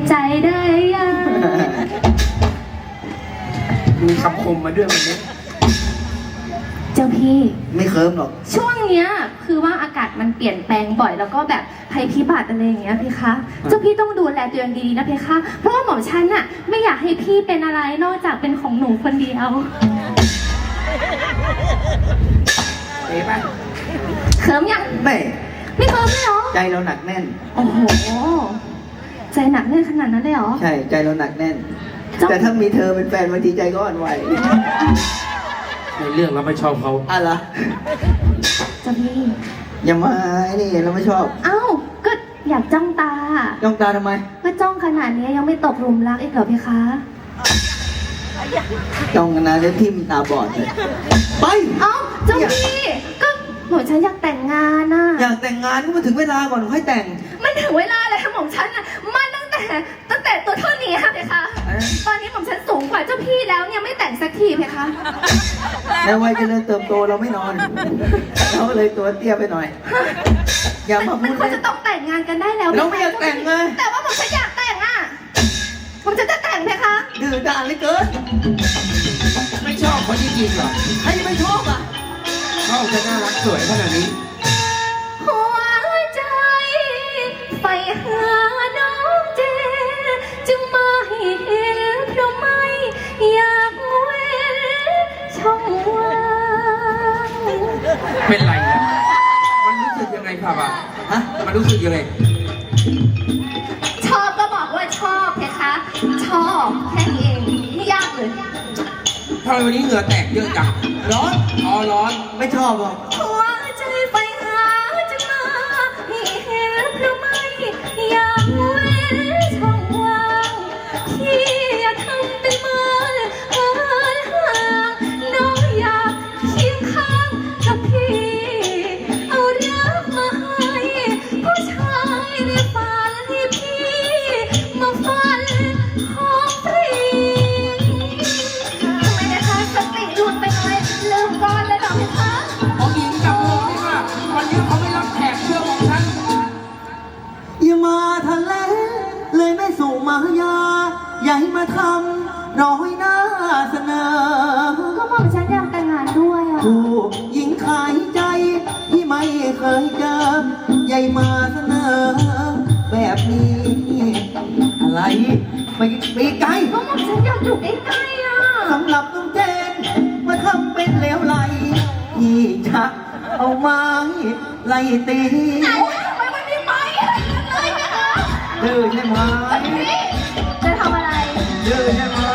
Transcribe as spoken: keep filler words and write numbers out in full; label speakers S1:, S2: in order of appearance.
S1: ใจได้ยัง
S2: มีคำคมมาด้วยวันนี้
S1: เจ้าพี่
S2: ไม่เคิร์มหรอก
S1: ช่วงเนี้ยคือว่าอากาศมันเปลี่ยนแปลงบ่อยแล้วก็แบบภัยพิบัติอะไรอย่างเงี้ยพี่คะเจ้าพี่ต้องดูแลตัวเองดีๆนะพี่คะเพราะว่าหม่อมฉันน่ะไม่อยากให้พี่เป็นอะไรนอกจากเป็นของหนูคนเดียว
S2: เอ๊ะป่ะ
S1: เคิร์มยัง
S2: ไม่
S1: ไม่เคิร์มเลยเหรอ
S2: ใจเราหนักแน่น
S1: โอ้โหใจหนักแน่นขนาดนั้นเลยเหรอ
S2: ใช่ใจเราหนักแน่นแต่ถ้ามีเธอเป็นแฟนบางทีใจก็อ่อนไหว
S3: ในเรื่องเราไม่ชอบเขา
S2: อะไร
S1: เจ้าพี่
S2: อย่ามาไอ้นี่เราไม่ชอบ
S1: เอ้าก็อยากจ้องตา
S2: จ้องตาทำไม
S1: ก็จ้องขนาดนี้ยังไม่ตกหลุมรักอีกเหรอพี่คะ
S2: จ้องกันนะแล้วทิ่มตาบอดเลยไป
S1: เอ้าเจ้าพี่ก็หม่อมฉันอยากแต่งงานน่ะ
S2: อยากแต่งงานก็มาถึงเวลาก่อนค่อยแต่ง
S1: มันถึงเวลาแล้วหม่อมฉันน่ะมันตั้งแต่ตั้งแต่ตัวเท่านี้ค่ะพี่คะตอนนี้หม่อมฉันสูงกว่าเจ้าพี่แล้วเนี่ยไม่แต่งสักทีพี่คะ
S2: ในวัยเจริญเติบโตเราไม่นอนเราเลยตัวเตี้ยไปหน่อยอย่ามาพูด
S1: มันควรจะต้องแต่งงานกันได้แล้ว
S2: เราไม่อยากแต่งไง
S1: แต่ว่าหม่อมฉันอยากแต่งอ่ะหม่อมฉันจะแต่งพี่คะ
S2: ดื้อด่านเลยเกิน
S3: ไม่ชอบเขาจริงๆเหรอ
S2: ใครจะไม่ชอบอ่ะ
S3: ชอบจะน่ารักสวยขนาดนี้
S1: หัวใจไปหาน้องเจจึงมาให้เห็นเพราะไม่อยากเว้นช่องว่าง
S3: เป็นไรเนี่ยมันรู้สึกยังไงครับอ่ะฮะมันรู้สึกยังไง
S1: ชอบก็บอกว่าชอบเพคะชอบแค่นี้เองไม่ยากเลย
S3: ทำไมวันนี้เหงื่อแตกเยอะจังร้อนอ๋อร้อน
S2: ไม่ชอบหรอก
S1: หัวใจไปหาจะมาให้เห็นเพราะไม่อยากเว้นช่องว่างที่อย่าทำเป็นเหมือนเหินห่างน้องอยากเคียงข้างกับพี่เอารักมาให้ผู้ชายในฝันให้พี่มาฝันของปริงทำไมนะคะสติหลุดไปหน่อยลืมก่อนเลยเหรอพี่คะ
S3: ของหญิงจับมือไหมว่าวันนี้เขาไม่รับแขกเชื่อของฉัน
S2: อย่ามาทะเลเลยไม่ส่งมายาอย่าให้มาทำร้อยหน้าเสนอ
S1: ก็บอกฉันอยากแต่งงานด้วยอ่ะ
S2: ผู้หญิงขายใจที่ไม่เคยเจอใหญ่มาเสนอแบบนี้อะไรไม่ไปไกล
S1: ก็บอกฉันอยากอยู่ใกล้ๆอ่ะ
S2: สำหรับน้องเจนมาทำเป็นเลวไหลที่จะเอาไม้ไล่ตี
S1: ไหนทำไมมันมีไม้เลยนะคะ
S2: ดื้อใช่ไหม
S1: จะทำอะไร
S2: ดื้อใช่ไหม